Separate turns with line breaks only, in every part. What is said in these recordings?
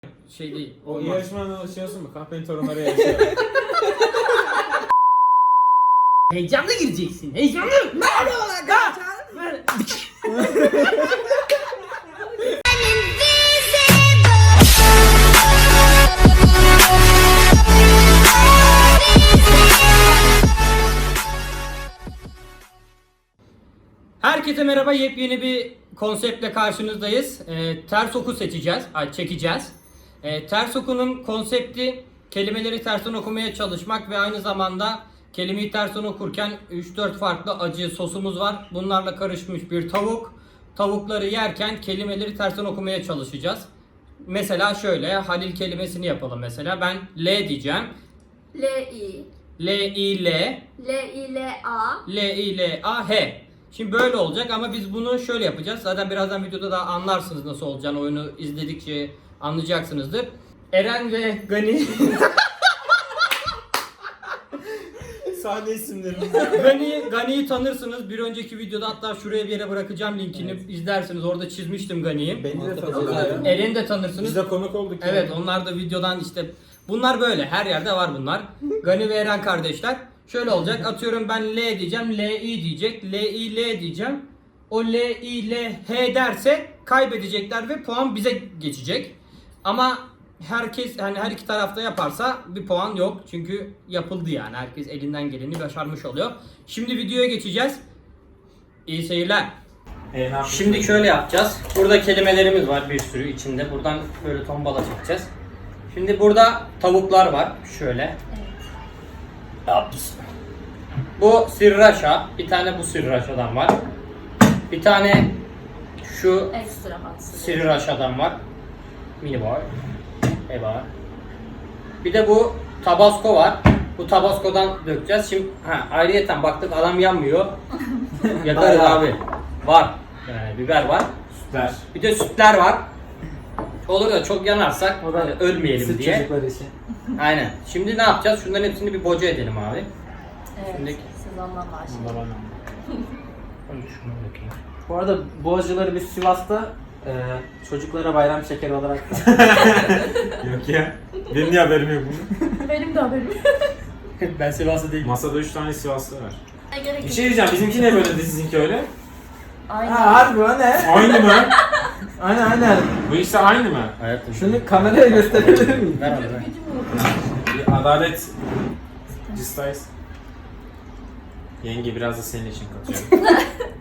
şey değil.
O
Olmaz.
yarışmadan alışıyorsun mu? Kahpenin torunları yarışıyor.
Heyecanlı gireceksin. Heyecanlı.
Merhaba arkadaşlar.
Herkese merhaba. Yepyeni bir konseptle karşınızdayız. Ters oku çekeceğiz. Ters okunun konsepti kelimeleri tersten okumaya çalışmak ve aynı zamanda kelimeyi tersten okurken 3-4 farklı acı sosumuz var. Bunlarla karışmış bir tavuk. Tavukları yerken kelimeleri tersten okumaya çalışacağız. Mesela şöyle Halil kelimesini yapalım mesela. Ben L diyeceğim.
L-I
L-I-L
L-I-L-A
L-I-L-A-H. Şimdi böyle olacak ama biz bunu şöyle yapacağız. Zaten birazdan videoda da anlarsınız nasıl olacağını. Oyunu izledikçe anlayacaksınızdır. Eren ve Gani
Sahne isimleri.
Gani'yi tanırsınız. Bir önceki videoda hatta şuraya bir yere bırakacağım linkini izlersiniz. Orada çizmiştim Gani'yi.
Beni de tanıyorlar.
Eren'i de tanırsınız.
Biz de konuk olduk.
Evet, onlar da videodan işte bunlar böyle her yerde var bunlar. Gani ve Eren kardeşler. Şöyle olacak. Atıyorum ben L diyeceğim. L-I diyecek. L-I-L diyeceğim. O L-I-L-H derse kaybedecekler ve puan bize geçecek. Ama herkes hani her iki tarafta yaparsa bir puan yok. Çünkü yapıldı yani. Herkes elinden geleni başarmış oluyor. Şimdi videoya geçeceğiz. İyi seyirler. Şimdi şöyle yapacağız. Burada kelimelerimiz var bir sürü içinde. Buradan böyle tombala çekeceğiz. Şimdi burada tavuklar var. Şöyle. Ups. Bu sirraşa. Bir tane bu sirraşadan var. Bir tane şu
Ekstra hatsız.
sirraşadan var. Mini boy. Eyvah. Bir de bu tabasco var. Bu tabasco'dan dökeceğiz. Şimdi ayrıyeten baktık adam yanmıyor. Yakarız abi. Var. Yani biber var.
Sütler.
Bir de sütler var. Olur da çok yanarsak
O da
ölmeyelim
süt
diye.
çocukları için.
Aynen. Şimdi ne yapacağız? Şunların hepsini bir boca edelim abi.
Evet.
Şimdi-
Siz ondan başlayın.
Şunu dökeyim.
Bu arada bu acıları biz Sivas'ta çocuklara bayram şekeri olarak
Yok ya. Benim niye haberim yok bunun?
Benim de haberim.
Ben Sivaslı değilim.
Masada 3 tane Sivaslı var.
Ne gerek
Bir
yok.
şey diyeceğim. Bizimki ne böyle de sizinki öyle?
Aynen.
Ha harbi o ne?
Aynı mı?
Aynen.
Bu işte aynı mı?
Hayatım.
Şunu kameraya gösterebilir miyim?
Ver abi, ver.
Gücüm yok.
Bir adalet cistayız. Yenge biraz da senin için katıyorum.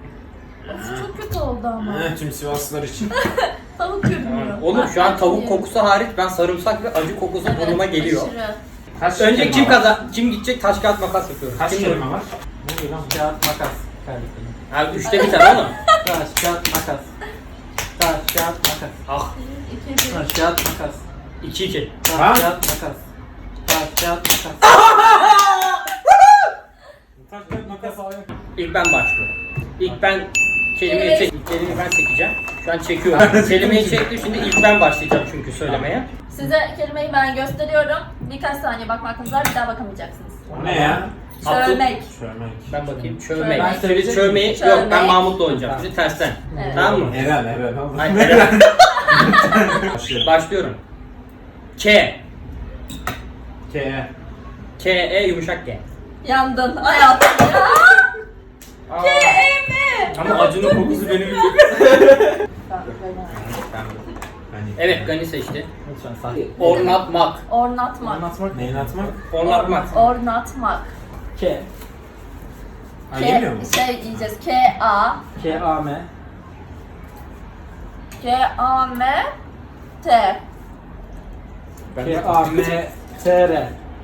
Çok kötü oldu ama.
Tüm Sivaslılar için.
Tavuk görünüyor.
Oğlum şu an tavuk kokusu hariç ben sarımsak ve acı kokusu burnuma geliyor.
Aşırı.
Kaç
Önce
kelime var?
kim gidecek taş kağıt makas yapıyoruz.
Kaç
Kim
kelime var? Ne oluyor lan?
Kağıt makas. Kardeşim.
Abi 3'te bir tane oğlum.
Taş kağıt makas. Taş kağıt makas.
Ah
2-1.
Taş kağıt makas.
2-2.
Ha?
Taş kağıt makas. Taş kağıt makas.
Taş kağıt makas al.
İlk ben başlıyorum. İlk ben kelimeyi kelimeyi ben çekeceğim. Şu an çekiyorum. Kelimeyi çektim şimdi ilk ben başlayacağım çünkü söylemeye.
Size kelimeyi ben gösteriyorum. Birkaç saniye bakmanız var. Bir daha bakamayacaksınız.
O ne ya?
Çölmek.
Çölmek.
Ben bakayım. Çövmek.
Ben
Şimdi
söyleyecek
çövmeyi
miyim?
yok ben
Çövmek.
Mahmut'la oynayacağım. Şimdi tersten.
Evet.
Tamam mı?
Eren.
Hayır, Eren.
Başlıyorum.
Başlıyorum. K.
K.
K-E yumuşak G.
Yandın hayatım ya.
Aa,
K-E-M.
ama acının kokusu beni biliyor. Evet Gani seçti.
Lütfen sakin.
Ornatmak.
Ornatmak.
Anlatmak.
Neyin atmak?
Ornatmak.
Ornatmak.
K.
Ha yemiyor mu?
Şey diyeceğiz. K-A.
K-A-M.
K-A-M-T.
K-A-M-T-R.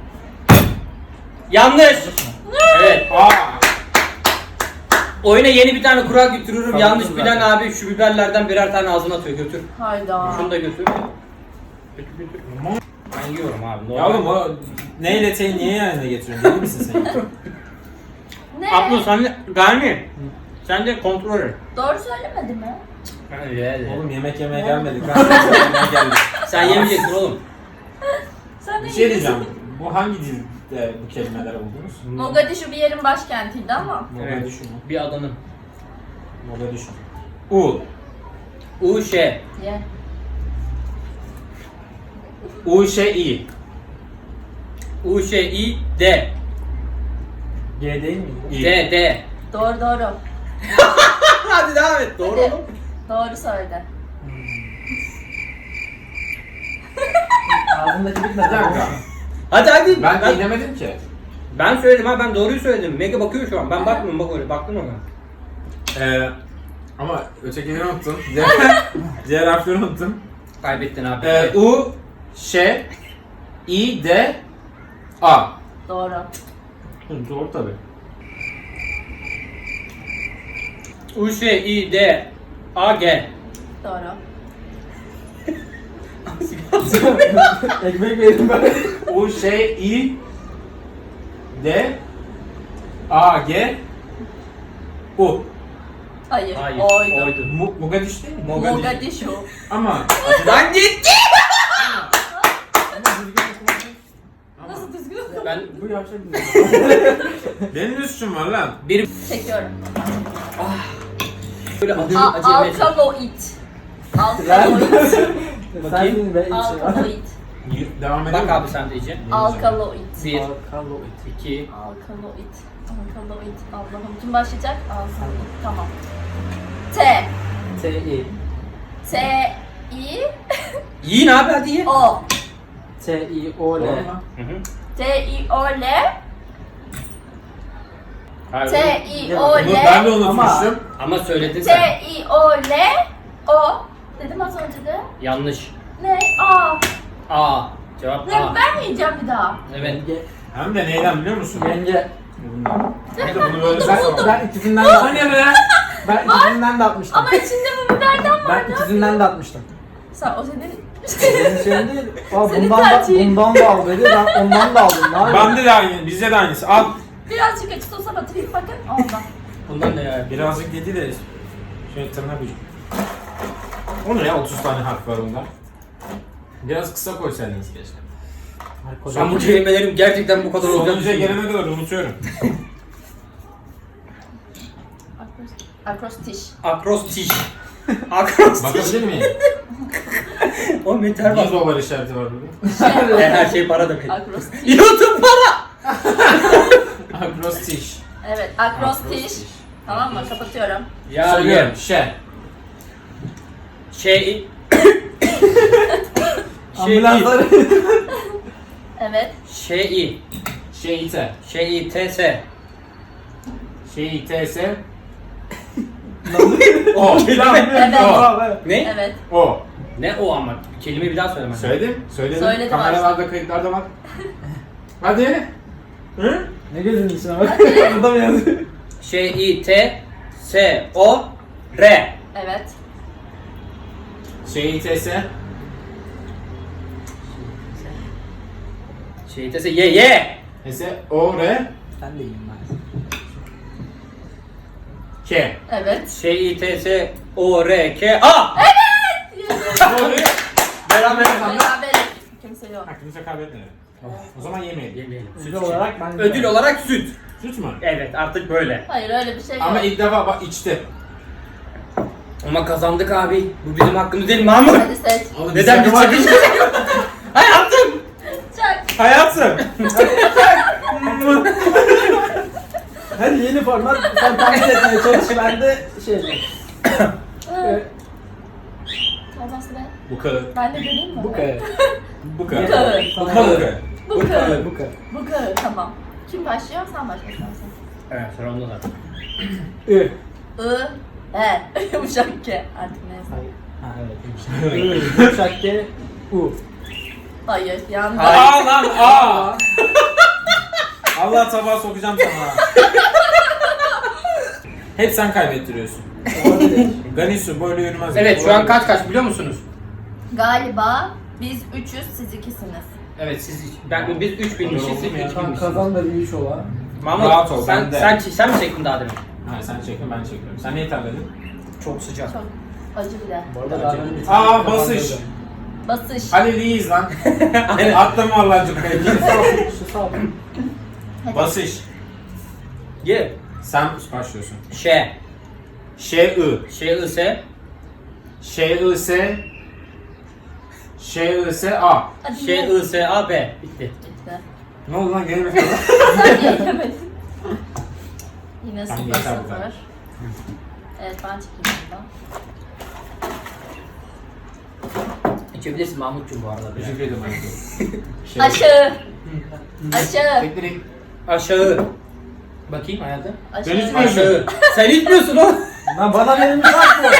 Yanlış. Evet.
Aa!
Oyuna yeni bir tane kural götürürüm.
Tamam,
Yanlış
zaten.
bilen abi şu biberlerden birer tane ağzına atıyor. Götür.
Hayda.
Şunu da götür. Götür. Ben yiyorum abi.
Ya oğlum o neyle teyi niye yanına getiriyorsun? Deli misin sen?
Ne?
Abla sen de Gani. Sen de kontrol et.
Doğru söylemedi mi?
Oğlum yemek yemeye gelmedik. Ben yemek yemeye geldik.
Sen yemeyeceksin oğlum.
Sen de
Bir şey diyeceğim. Bu hangi dilde bu kelimeler buldunuz?
Mogadishu bir yerin başkentiydi ama.
Mogadishu mu?
Bir adanın.
Mogadishu. U.
U-Ş.
Ye.
U, Ş, İ.
U, Ş, İ, D.
G değil mi?
İ.
D.
Doğru.
Hadi devam et. Doğru
Hadi.
oğlum.
Doğru söyledi.
Ağzındaki bitmedi.
Bir dakika.
Hadi.
Ben dinlemedim ki.
Ben söyledim ha, ben doğruyu söyledim. Mega bakıyor şu an. Ben bakmıyorum, bak öyle. Baktın ona.
Ama ötekileri unuttum. Diğer harfleri unuttum.
Kaybettin abi.
U, Ş, İ, D, A.
Doğru.
Doğru tabii.
U, Ş, İ, D, A, G.
Doğru.
Ekmek verin ben.
U, Ş, İ, D, A, G, U.
Hayır.
Hayır.
Oydu.
Mogadishu değil mi?
Mogadishu.
Ama
Lan gitti.
Nasıl düzgün?
Ben
Bu yavşak güzel.
benim ne suçum var lan?
bir
Çekiyorum.
böyle acı
Alkaloid. Alkaloid.
Sen şimdi ben içim.
Alkaloid.
Devam edelim.
Bak abi sen de iyice.
Alkaloid.
1,
Alkaloid.
2,
Alkaloid. Alkaloid. Allah'ım kim başlayacak? Alkaloid. Tamam. T.
T-I.
T. I.
yiyin abi hadi ye.
O.
T-I-O-L.
Doğru mu?
Hı hı.
T. I. O. L.
Hayır,
T.
oğlum.
I. O.
Bunu ben de
L.
unutmuştum.
Ama söyledin
T.
sen.
I. O. L. O. Dedim az önce de.
Yanlış.
Ne? A.
A. Cevap
Ne?
A.
Ben mi yiyeceğim bir daha?
Evet.
Yenge.
Hem de neyden biliyor musun?
Yenge.
Hem de bunu böyle
Ben ikisinden de
Hani be?
Ben ikisinden de atmıştım.
Ama içinde bu biberden var.
Ben ikisinden de atmıştım.
Sen o senin...
Benim şeyim değil. Aa,
Senin
bundan
tercihin.
bundan da al dedi. Ben ondan da aldım. Ne yapayım?
Bende de aynı, bizde de aynısı. Al.
Birazcık açık olsa batırayım bakın. Ondan.
Bundan ne ya?
Birazcık dedi de şöyle tırnak ucu. O ne ya 30 tane harf var bunda. Biraz kısa koysaydınız keşke.
Ben bu kelimelerim gerçekten bu kadar olacak.
Sonuncuya gelene kadar unutuyorum.
Akrostiş.
Akrostiş. Akrostiş.
Bakabilir miyim?
O meter
Niye
var.
dolar işareti var burada?
Her şey para demek.
Akrostiş.
YouTube para.
Akrostiş.
Evet, akrostiş. Tamam mı? Kapatıyorum.
Ya
Söylüyorum.
ye.
Şey.
Şey.
Ambulansları.
Evet.
Şey.
Şeyite.
Şey. T-S.
Şeyitese. O.
Evet.
O.
Ne?
Evet.
O.
Ne o ama? Kelimeyi bir daha söylemen.
Söyledim. Söyledim.
Söyledim
Kameralarda kayıtlarda var. Hadi. Hı?
Ne gözünün içine bak. Burada mı yazıyor?
Şey. T-S-O-R.
Evet.
Şeyitese.
Şey. T-S. Ye.
Ese. O. R.
Sen de yiyin ben.
K.
Evet.
Şey. T-S-O-R-K-A.
Doğru.
Beraber.
Beraber. Kimse yok.
Ha, kimse kaybetmedi. O zaman yemeyelim.
Yemeyelim. Süt
Ödül
için.
olarak ben
Ödül olarak süt.
Süt mü?
Evet artık böyle.
Hayır öyle bir şey yok.
Ama ilk defa bak içti.
Ama kazandık abi. Bu bizim hakkımız değil Mahmut.
Hadi seç.
Neden bir çıkış? Hayatım.
Çak.
Hayatım.
Hadi yeni format. Sen takip etmeye çalış. Ben de şey yapayım.
Olmaz be.
Bu kadar.
Ben de göreyim mi?
Bu kadar.
Bu kadar.
Bu kadar.
Bu kadar.
Bu kadar.
Bu kadar.
Bu kadar. Tamam. Kim başlıyor? Sen başla istersen.
Evet sıra onda zaten.
Ü.
I. E. Yumuşak K. Artık neyse.
Ha evet. Ü. Yumuşak G. U.
Hayır. Yanlış.
Aa lan aa. Allah tabağa sokacağım sana. Hep sen kaybettiriyorsun. Ganisu böyle yürümez.
Evet şu an kaç biliyor musunuz?
Galiba biz 3'üz, siz 2'siniz.
Evet biz 3 bilmişiz siz 3
Tamam
bilmişsiniz.
kazan da bir iş ola.
Mahmut
Rahat ol,
sen,
ben de.
sen mi çektin daha demin?
Hayır sen çekin ben çekiyorum. Sen neyi terledin?
Çok sıcak.
Çok acı bile.
Bu arada daha ben bir
Aa,
tane
basış.
kazandım.
Basış.
Haliliyiz lan. Atlama Allah'ın cükkayı.
Şu sağ ol.
Hadi.
Basış.
Ye.
Sen başlıyorsun.
Ş.
Ş-I.
Ş-I-S.
Ş-I-S. Ş-I-S-A.
Hadi
Ş,
ye.
I, S, A, B. Bitti.
Bitti.
Ne oldu lan? Gene mi kaldı?
Sen niye yemedin? Yine
Tamam,
0-0.
yeter bu kadar.
Evet ben çekeyim buradan.
İçebilirsin Mahmutcuğum bu arada.
Teşekkür ederim.
Aşağı. Aşağı.
Bekleyin.
Aşağı. Bakayım hayatım.
Aşağı.
Ben hiç
Aşağı. Sen itmiyorsun o.
Lan bana verilmiş hak bu.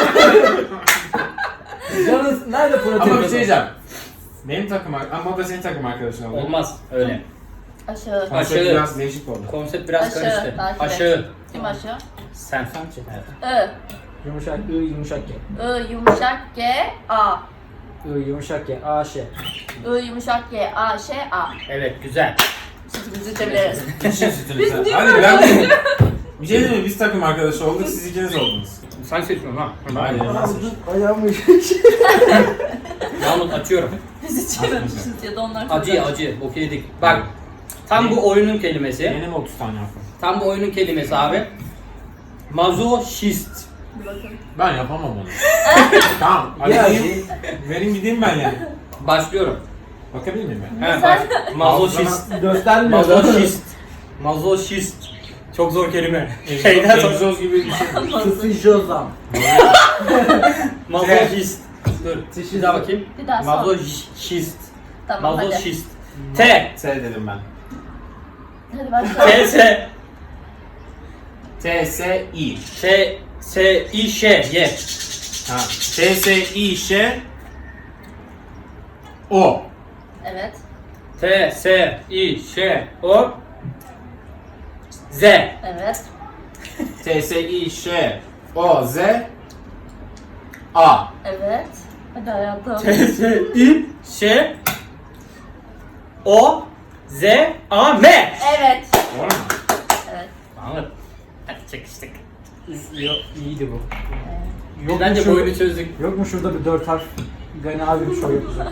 Canınız nerede protein?
Ama bir şey diyeceğim. Benim takım ama da senin takım arkadaşın oldu.
Olmaz öyle.
Aşağı.
Konsept
Aşağı.
biraz değişik oldu.
Konsept biraz
Aşağı,
karıştı.
takip et.
Aşağı.
Kim aşağı?
Sen çek hayatım.
I.
Yumuşak I yumuşak G.
I yumuşak G A.
I yumuşak G. A Ş.
I yumuşak G A Ş A.
Evet güzel.
Sütümüzü içebiliriz.
İçin sütünüzü. Hadi ben bir şey diyeyim mi? Biz takım arkadaşı olduk, siz ikiniz oldunuz.
Sen seçmiyorsun ha.
Aynen nasıl?
Ayağımı
Mahmut açıyorum.
Biz içememişiz ya da onlar
Acı acı. Bok yedik. Bak. Tam bu oyunun kelimesi.
Benim 30 tane yaptım.
Tam bu oyunun kelimesi abi. Mazoşist.
Bir bakın.
Ben yapamam onu. Tamam, hadi
Ya,
gideyim. Verin gideyim ben yani.
Başlıyorum.
Bakabilir miyim ben?
He bak. Mazoşist.
göstermiyor.
Mazoşist. Mazoşist. Çok zor kelime. Şeyden sonra.
Egzoz gibi bir şey.
Sıfıjozam.
Mazoşist. Dur. Bir daha bakayım.
Bir daha sor.
Mazoşist.
Tamam hadi.
Mazoşist. T.
T dedim ben.
Hadi başla.
T. S.
T-S-I.
T. S. İ. Ş. Y.
Ha. T-S-I-Ş. O.
Evet.
T. S. İ. Ş. O. Z.
Evet.
T-S-I-Ş. O. Z. A.
Evet. Hadi hayatım.
T. S. İ. Ş. O. Z. A. M.
Evet.
Doğru mu?
Evet.
Anladım. Hadi çekiştik.
Yok iyiydi bu.
Biz bence bu oyunu çözdük.
Yok mu şurada bir 4 harf? Gani abi bir şey yapacak.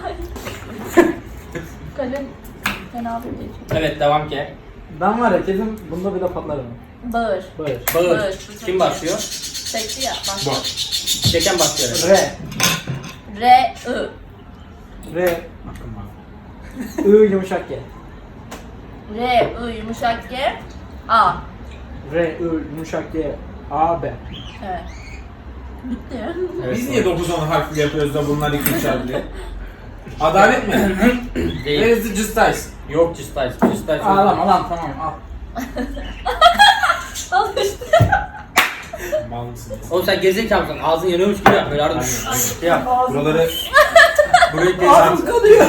Kalem. Fena bir değil.
Evet devam ki.
Ben var ya kesin bunda bir de patlarım.
Bağır.
Bağır.
Bağır.
Bağır.
Kim başlıyor?
Çekti ya. Başla.
Bak.
Çeken başlıyor.
R.
R I.
R.
Bakın bak.
I yumuşak G.
R I yumuşak G A.
R. I yumuşak G. A. B.
Evet. Bitti.
Evet,
Biz niye 9-10 harfli yapıyoruz da bunlar 2-3 harfli? Adalet mi? Where
Değil.
is the justice?
Yok Cistays. Cistays.
Ağlama lan tamam al.
Al işte.
Mal mısınız?
Oğlum sen gerizekalı mısın? Ağzın yanıyormuş gibi yap. Böyle arada
Aynen.
yap.
Buraları
Burayı
Ağzım kalıyor.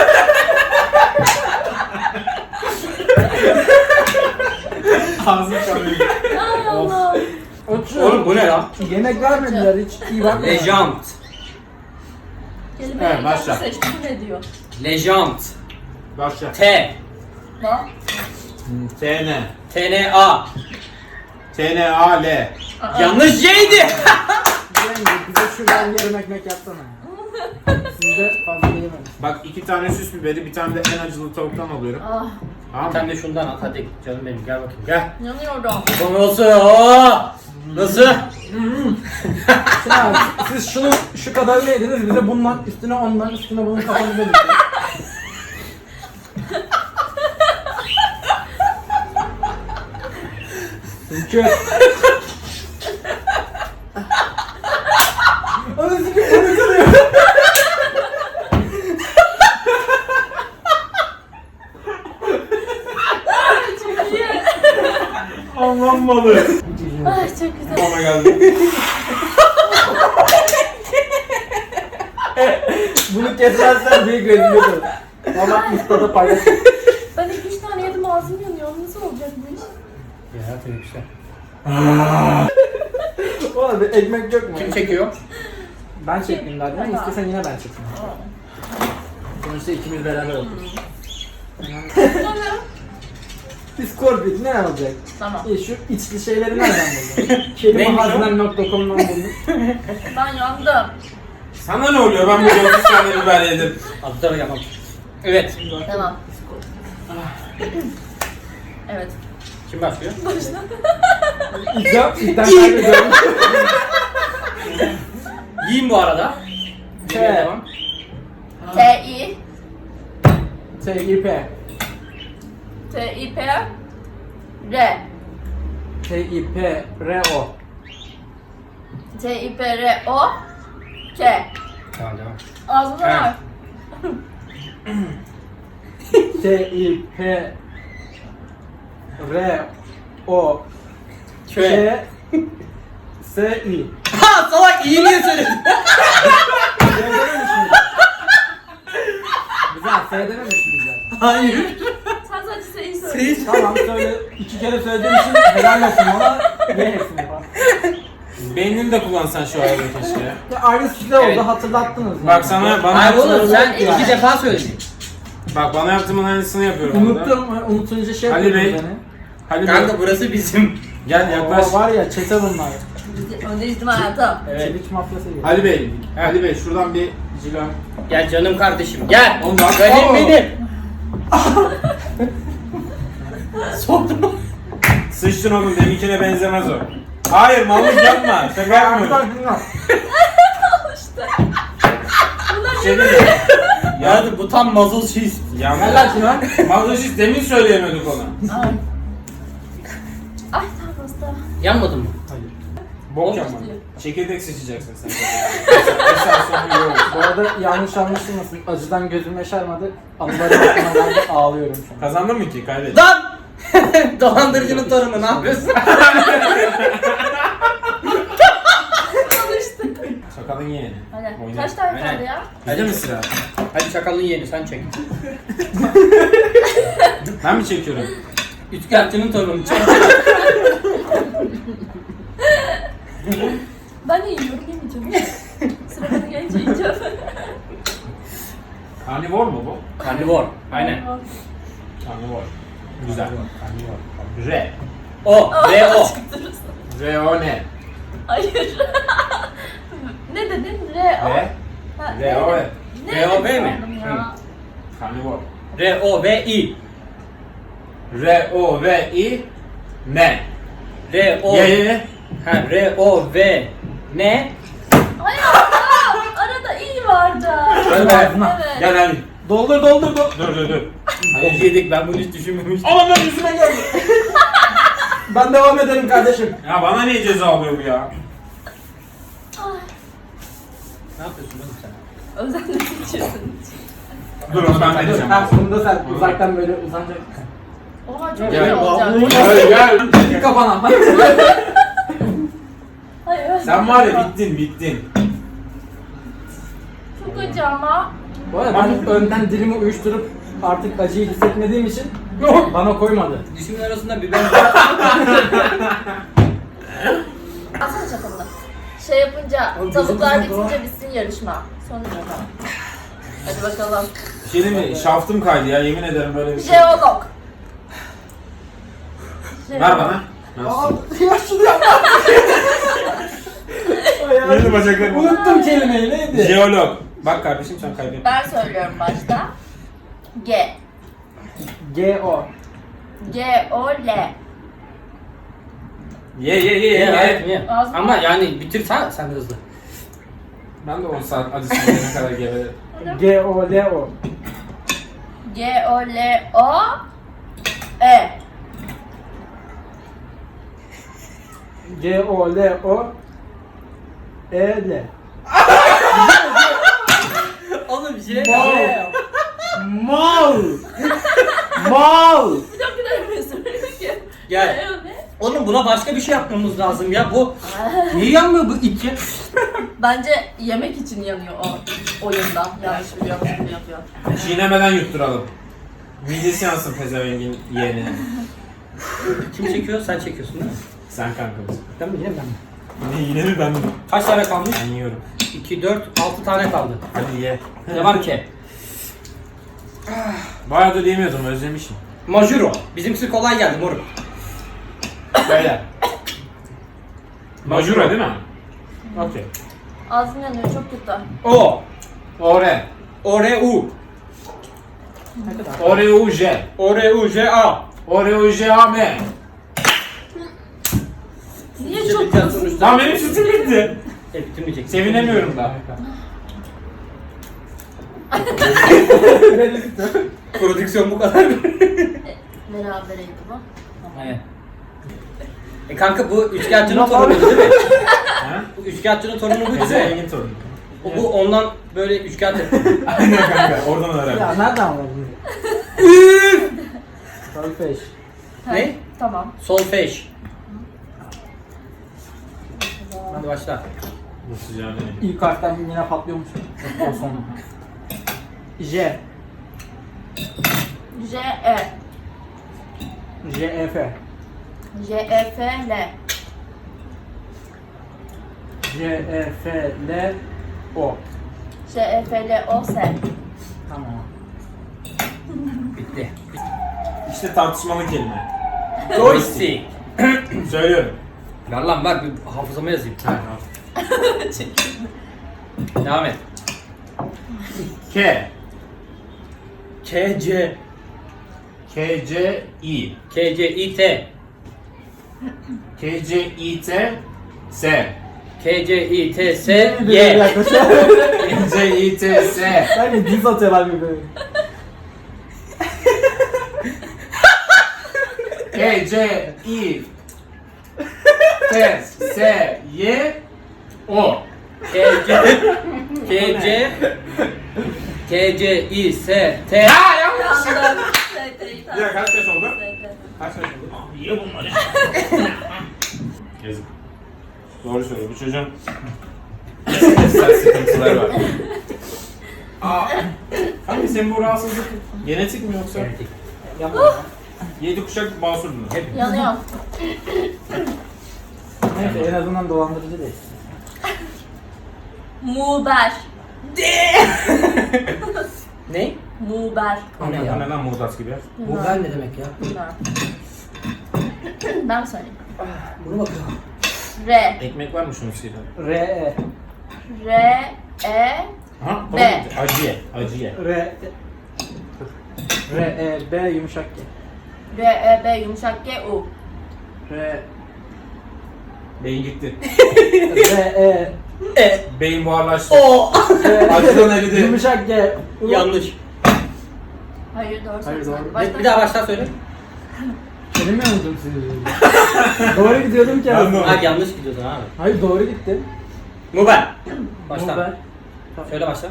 ağzım kalıyor.
Ay Allah.
Oğlum bu ne lan?
Yemek vermediler hiç iyi bakma.
Lejant.
Kelimeyi
Evet, başla.
seçti ne diyor?
Lejant.
Başla.
T.
Lan.
T-N.
T-N-A.
T-N-A-L.
Yanlış C'ydi.
Yenge bize şuradan yarım ekmek yapsana. Siz de fazla yemeyin.
Bak 2 tane süs biberi, bir tane de en acılı tavuktan alıyorum.
Ah.
Tamam
Sen
mı?
de şundan at hadi. Canım benim gel bakayım gel.
Yanıyorum.
Bu nasıl? Oo! Nasıl?
Sinan siz şunu şu kadarını yediniz bize bundan üstüne ondan üstüne bunun kafanıza diktin. Çünkü Onu sikim onu kırıyor.
Çok iyi.
Aman malı.
Ay çok güzel.
Bana geldi.
Bunu kesmezsen büyük rezillik olur. Ama ustada paylaş.
Ben 2-3 tane yedim ağzım yanıyor. Nasıl olacak bu iş?
Ya tabii işte.
Oğlum bir ekmek yok mu?
Kim çekiyor?
Ben çektim zaten.
Tamam.
İstesen yine ben çekeyim. Sonuçta ikimiz beraber olduk. Discord ne olacak?
Tamam.
Şu içli şeyleri nereden buldun? Kelimehazinem.com'dan buldum.
Ben yandım.
Sana ne oluyor? Ben böyle 30 tane biber yedim.
Adı da yapmam. Evet.
Tamam. Evet.
Kim başlıyor?
İlkten kaybediyorum.
Yiyin bu arada. Yemeğe
Evet.
devam.
T-I.
T-I-P.
T-I-P. R.
T-I-P-R-O.
T-I-P-R-O. K.
Tamam devam.
Ağzına
Evet.
var.
T-I-P-R-O.
Köy.
S-I.
Ha salak iyi niye söyledin?
Söylememiş miydin? Güzel, söylememiş miydin?
Hayır.
Sen sadece S'yi söyle.
Sen
Tamam söyle, 2 kere söylediğim için helal olsun bana. Ye hepsini falan.
Beynini de kullansan şu arada keşke.
Ya aynı size oldu,
Evet.
hatırlattınız. yani.
Bak sana bana
Hayır oğlum
yaptığımın-
sen
Yani.
2 defa söyledin.
Bak bana yaptığımın aynısını yapıyorum orada.
Unuttum, unutunca şey
Ali
yapıyordum
Bey.
beni.
Hadi Bey,
Kanka burası bizim.
gel yaklaş.
O var ya, çete bunlar.
Öndeyiz değil mi hayatım?
Evet.
Çelik mafyası gibi.
Ali Bey,
Evet.
Ali Bey şuradan bir cila.
Gel canım kardeşim gel.
Oğlum bak-
Benim
Oo.
benim. Soktum.
Sıçtın oğlum, deminkine benzemez o. Hayır mallık yapma, şaka yapmıyorum. Şey değil mi?
Ya bu tam muzzle cheese.
Gel lan şuna.
Mallık demin söyleyemedik ona.
Ay. Ay tamam hasta.
Yanmadın mı?
Bok
Olmuş
yapma.
diyor.
Çekirdek seçeceksin sen. Mesela sonra iyi olur.
Bu arada yanlış anlaşılmasın. Acıdan gözüm yaşarmadı. Anıları aklıma geldi, ağlıyorum şu an.
Kazandın mı ki? Kaybettin.
Lan! Dolandırıcının torunu ne yapıyorsun?
Konuştuk.
Sakalın yeğeni.
Aynen.
Oyna.
Kaç tane
Aynen.
kaldı ya?
Hadi mi sıra?
Hadi çakalın yeğeni sen çek.
Ben mi çekiyorum?
Üçkağıtçının torunu çek.
Ben de yiyorum yemeyeceğim. Sıra bana gelince yiyeceğim.
Karnivor mu bu?
Karnivor. Aynen.
Karnivor. Güzel. R.
O. R-O.
R-O ne?
Hayır. Ne dedin? R-O.
R.
Ha,
R-O.
ne?
R-O-V
dedim
mi?
sandım ya?
Karnivor.
R-O-V-I.
R-O-V-I ne?
R-O.
Ye.
Ha R-O-V. Ne?
Ay Allah! Arada iyi vardı.
Öyle.
Evet.
Gel hadi.
Doldur doldur doldur.
Dur.
Bok yedik ben bunu hiç düşünmemiştim.
Aman ben yüzüme geldi.
Ben devam ederim kardeşim.
Ya bana niye ceza alıyor bu ya?
Ay,
Ne yapıyorsun oğlum sen?
özenle seçiyorsun.
Dur onu ben vereceğim.
Ha, bunu da sen uzaktan böyle uzanacak.
Oha çok
Gel.
iyi olacak.
Gel.
Bir kafana.
Hayır.
Sen var ya bittin.
Çok acı ama.
Bu arada ben önden dilimi uyuşturup artık acıyı hissetmediğim için bana koymadı.
Dişimin arasında biber var.
Alsana çatalını. Şey yapınca,
Oğlum,
tavuklar
gözümüzün
bitince
doğa-
bitsin yarışma. Sonra bakalım. Hadi bakalım.
Bir şey değil mi? Şaftım kaydı ya, yemin ederim böyle bir şey.
Jeolog.
Ver bana.
Aa, ya şunu yapma.
Yeni bacaklarım.
Unuttum kelimeyi, neydi?
Jeolog. Bak kardeşim sen kaybettin.
Ben söylüyorum başta. G.
G-O.
G-O-L.
Ye.
Ağzına-
Ama yani bitir sen hızlı.
Ben de 10 saat acısını yene kadar gelelim.
G-O-L-O.
G-O-L-O-E.
G-O-L-O. E-L.
Oğlum bir şey
Mal. Mal.
Bir dakika demiyorsun.
Gel.
Ne?
Oğlum buna başka bir şey yapmamız lazım ya bu. Niye yanmıyor bu içi?
Bence yemek için yanıyor o oyunda. Yanlış biliyormuş gibi yapıyor.
Çiğnemeden yutturalım. Midesi yansın pezevengin yeğenine.
Kim çekiyor? Sen çekiyorsun değil mi?
Sen kankamız.
Ben mi yine ben mi?
Yine mi ben mi?
Kaç tane kalmış?
Ben yiyorum.
2, 4, 6 tane kaldı.
Hadi ye.
Devam ki.
Bayağıdır yemiyordum, özlemişim.
Majuro. Bizimkisi kolay geldi moruk.
Böyle. Majura değil mi? Okey.
Ağzım yanıyor çok kötü.
O.
Ore.
O-R-U.
Ore-U-J.
O-R-U-J-A.
Ore-U-J-A-M.
Niye çok kötü?
Lan benim sütüm bitti.
Bitirmeyecek.
Sevinemiyorum da.
Prodüksiyon bu kadar.
Berabereydi bu.
Aynen. Kanka bu üçkağıtçının torunu değil mi?
Ha?
Bu üçkağıtçının torunu bu değil mi?
Zengin torunu.
Bu ondan böyle üçkağıt yapıyor.
Aynen kanka oradan öğrendim.
Ya nereden anladın? Solfej.
Ne?
Tamam.
Solfej. Hadi başla.
Bu sıcağı benim.
İlk harften yine patlıyormuş. O son. J.
J-E.
J-E-F.
J-E-F-L.
J-E-F-L-O.
J-E-F-L-O-S.
Tamam.
Bitti.
İşte tartışmalı kelime.
Joystick.
Söylüyorum.
Ver lan ver bir hafızama yazayım. Devam et.
K.
K-C.
K-C-I.
K-C-İ-T.
K-C-İ-T. S.
K-C-İ-T-S-Y.
K-C-İ-T-S.
Sanki diz atıyorlar gibi böyle.
K-C-İ-T-S-Y-O.
K-C. K-C-İ-S-T.
Yandım. S-T'yi
Ya kaç yaş oldu?
S-T.
Kaç yaş oldu? Ye bunları. Yazık. Doğru söylüyor. Bu çocuğun stres sıkıntıları var. Kanka senin bu rahatsızlık genetik mi yoksa?
Yapma.
7 kuşak basurdun. Hep.
Yanıyor.
Neyse en azından dolandırıcı değil.
Muğber.
Ne?
Muğber.
O ne ya?
Ne lan Muğdat gibi?
Bu ben ne demek ya?
Bilmem. Ben mi söyleyeyim?
Bunu bakıyorum.
R.
Ekmek var mı şunun sıyla?
R-E.
R-E.
Ha,
B.
tamam. Acıye. Acıye.
R-E-B yumuşak G.
R-E-B yumuşak G-U.
R
Beyin gitti.
R-E
Beyin buharlaştı.
O.
Acıdan eridi.
yumuşak G. U.
Yanlış.
Hayır doğru
Hayır,
söylüyorsun.
doğru.
Başta-
Bir daha baştan söyle.
Kelime unuttum sizi. Doğru gidiyordum ki.
Ben de
aslında.
Hayır yanlış gidiyorsun abi.
Hayır doğru gittim.
Muber. Başla.
Muğber.
Söyle başla.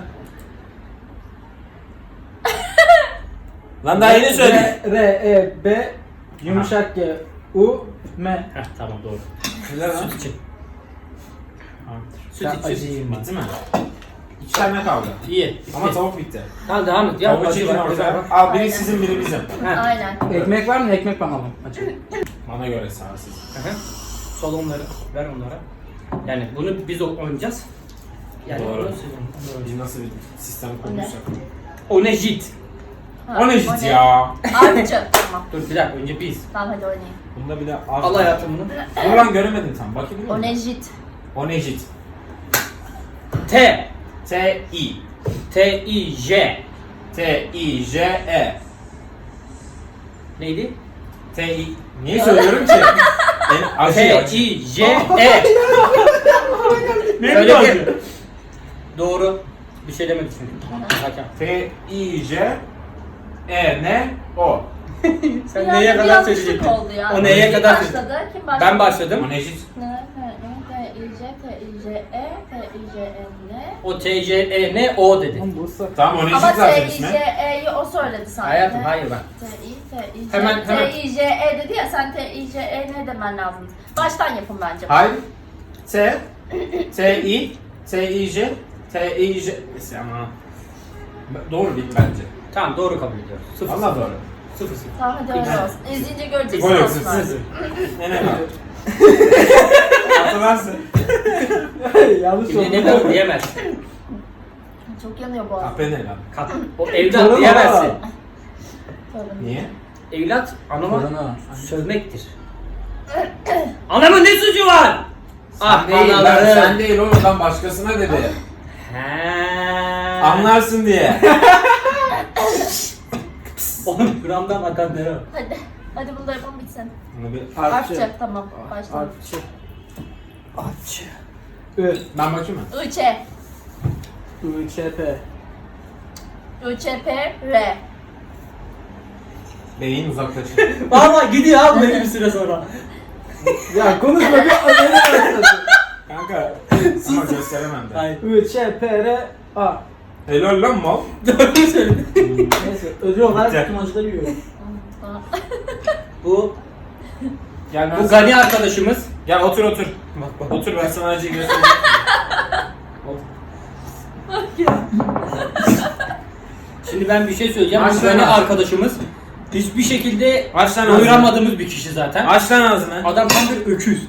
Lan daha yeni söyle.
R-E-B yumuşak G. U. M.
Heh tamam doğru.
Güzel lan.
Süt için. Süt
Ben
için.
acıyım ben.
Bitti mi? 2 tane kaldı.
İyi. Bitti.
Ama tavuk bitti.
Tamam devam et. Ya
Tavuk
acı
için
var.
orada.
Bak.
Al biri
Aynen.
sizin biri bizim.
Heh.
Aynen.
Ekmek var mı? Ekmek bana alın. Açın.
Bana göre sağsız.
Hı hı. Sol onları. Ver onlara. Yani bunu biz oynayacağız. Yani
Doğru.
bunu siz oynayın.
Biz nasıl bir sistem kurmuşsak.
O ne jit?
Ha,
O ne jit ya?
Artçı. Tamam.
Dur bir dakika önce biz.
Tamam hadi oynayayım.
Bunda bir de az.
Al hayatım bunu.
Dur lan göremedim tam. Bakayım.
O ne jit?
O ne jit?
T.
T-I.
T-I-J.
T-I-J-E.
Neydi?
T-I. Niye söylüyorum ki? Acı acı.
T-I-J-E.
Ne
Öyle
acı?
bir. Doğru. Bir şey demedik çünkü. Hakem.
T-I-J-E-N-O.
Sen
Biraz
neye
bir
kadar
yanlışlık
söyleyecektin?
oldu ya.
O neye
Kim
kadar
başladı? Kim başladı?
Ben başladım.
O ne jit?
T-I-J, T-I-J-E,
O T-J-E-N-O dedi.
Oğlum Bursa.
Tamam o ne
Ama
jit zaten ismi.
T-I-J-E'yi o söyledi sanki.
Hayatım hayır bak.
T-I-J,
Hemen.
T-I-J-E dedi ya sen T-I-J-E ne demen lazım. Baştan yapın bence.
Hayır. T. T-I. T-I-J. T-I-J. Ama. Doğru bil bence.
Tamam doğru kabul ediyoruz. Sıfır.
Valla doğru.
Sıfır sıfır.
Tamam hadi öyle olsun. İzleyince göreceksin
Gol yok
olsun artık.
sıfır. Ne var? Hatırlarsın.
Yanlış
Şimdi ne
oldu.
kadar diyemez.
Çok yanıyor boğazım.
Kahpe ne lan?
O evlat
Torunu
diyemezsin.
var.
Sorun.
Niye?
Evlat anama
Torunu.
sövmektir. Anamın ne suçu var? Ah
Sen değil lan,
anaları.
sen değil oğlum lan başkasına dedi.
He.
Anlarsın diye.
Oğlum kuramdan akan ne o?
Hadi. Hadi bunu da yapalım bitsin.
Bunu bir...
Artçı. Tamam. Başlayalım.
Artçı. Artçı. Ü.
Ben bakayım mı?
I-Ç.
I-Ç-P.
ÜÇPR.
Beyin uzaklaşır.
Valla gidiyor abi belli bir süre sonra.
Ya konuşma bir öyle başlasın.
Kanka ama gösteremem de.
Hayır.
ÜÇPRA.
Helal lan mal.
Doğru söyledin.
Neyse ödül olarak
Bitti.
tüm acıları yiyorum.
Bu
Gel ben
bu Gani arkadaşımız.
Gel otur otur.
Bak bak.
Otur ben sana acıyı göstereyim.
Şimdi ben bir şey söyleyeceğim.
Aç
Bu
lan
Gani
ağzını.
arkadaşımız hiçbir şekilde
Aç lan ağzını.
doyuramadığımız bir kişi zaten.
Aç lan ağzını.
Adam tam bir öküz.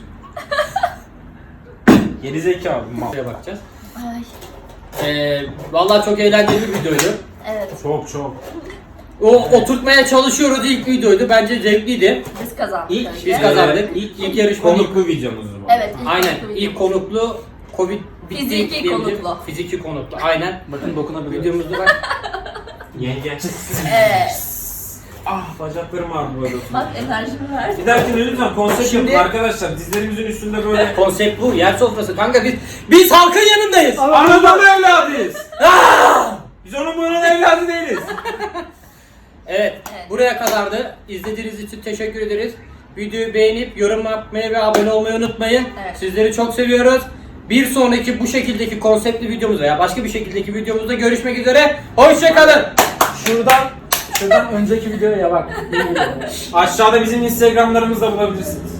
Geri zekalı mal.
Buraya bakacağız.
Ay.
Vallahi çok eğlenceli bir videoydu.
Evet.
Çok.
O oturtmaya çalışıyoruz ilk videoydu. Bence zevkliydi.
Biz kazandık.
İlk
önce.
biz kazandık. İlk yarışma
Konuklu videomuz bu.
Evet.
Aynen.
konuklu
İlk
videomuz.
konuklu Covid bitti
Fiziki
diyebilirim.
konuklu.
Fiziki konuklu. Aynen.
Bakın dokunabiliyorum.
Videomuzda bak.
Yenge.
Evet.
Ah bacaklarım ağrıyor böyle.
Bak enerjimi ver.
Bir dahakine lütfen konsept
Şimdi-
yapın arkadaşlar. Dizlerimizin üstünde böyle.
Konsept bu. Yer sofrası. Kanka biz halkın yanındayız.
Anadolu evladıyız. Biz onun bunun evladı değiliz.
Evet.
Evet.
Buraya kadardı. İzlediğiniz için teşekkür ederiz. Videoyu beğenip yorum yapmayı ve abone olmayı unutmayın.
Evet.
Sizleri çok seviyoruz. Bir sonraki bu şekildeki konseptli videomuzda ya başka bir şekildeki videomuzda görüşmek üzere. Hoşçakalın.
Şuradan önceki videoya bak.
Aşağıda bizim Instagram'larımızı da bulabilirsiniz.